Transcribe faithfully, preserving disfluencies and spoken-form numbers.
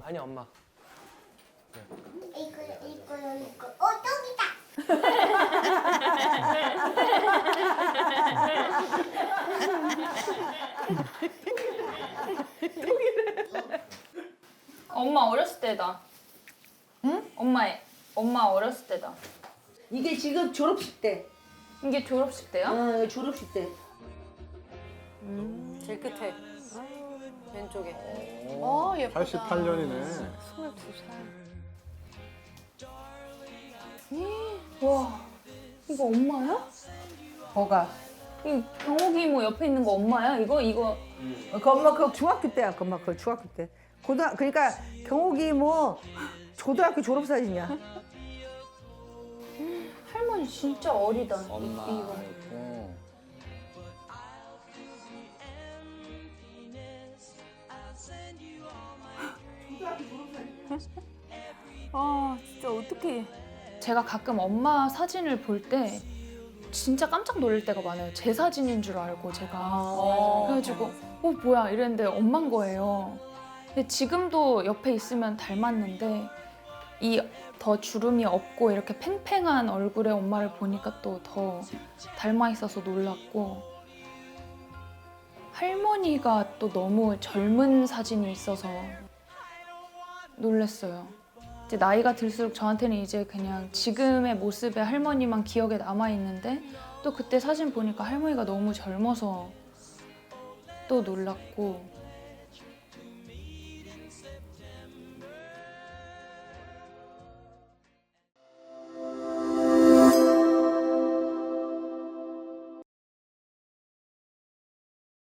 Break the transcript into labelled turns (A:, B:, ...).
A: 아니 엄마.
B: 이거 이거 이거 어 저기다.
C: 엄마 어렸을 때다. 응? 엄마의 엄마 어렸을 때다.
D: 이게 지금 졸업식 때.
C: 이게 졸업식 때요?
D: 어, 졸업식 때.
E: 제일 끝에. 왼쪽에.
F: 어, 예쁘다.
G: 팔십팔 년이네.
F: 스물두 살.
C: 와, 이거 엄마야?
D: 뭐가?
C: 이 경옥이 이모 옆에 있는 거 엄마야? 이거 이거
D: 그 엄마 그 중학교 때야. 그 엄마 그 중학교 때. 고등 그러니까 경옥이 뭐 초등학교 졸업 사진이야.
C: 할머니 진짜 어리다. 이-
A: 엄마
C: 이거.
A: 있고.
C: 아 진짜 어떡해. 제가 가끔 엄마 사진을 볼 때 진짜 깜짝 놀랄 때가 많아요. 제 사진인 줄 알고 제가. 그래가지고 어 뭐야 이랬는데 엄만 거예요. 근데 지금도 옆에 있으면 닮았는데 이 더 주름이 없고 이렇게 팽팽한 얼굴의 엄마를 보니까 또 더 닮아 있어서 놀랐고 할머니가 또 너무 젊은 사진이 있어서 놀랐어요. 이제 나이가 들수록 저한테는 이제 그냥 지금의 모습의 할머니만 기억에 남아 있는데 또 그때 사진 보니까 할머니가 너무 젊어서 또 놀랐고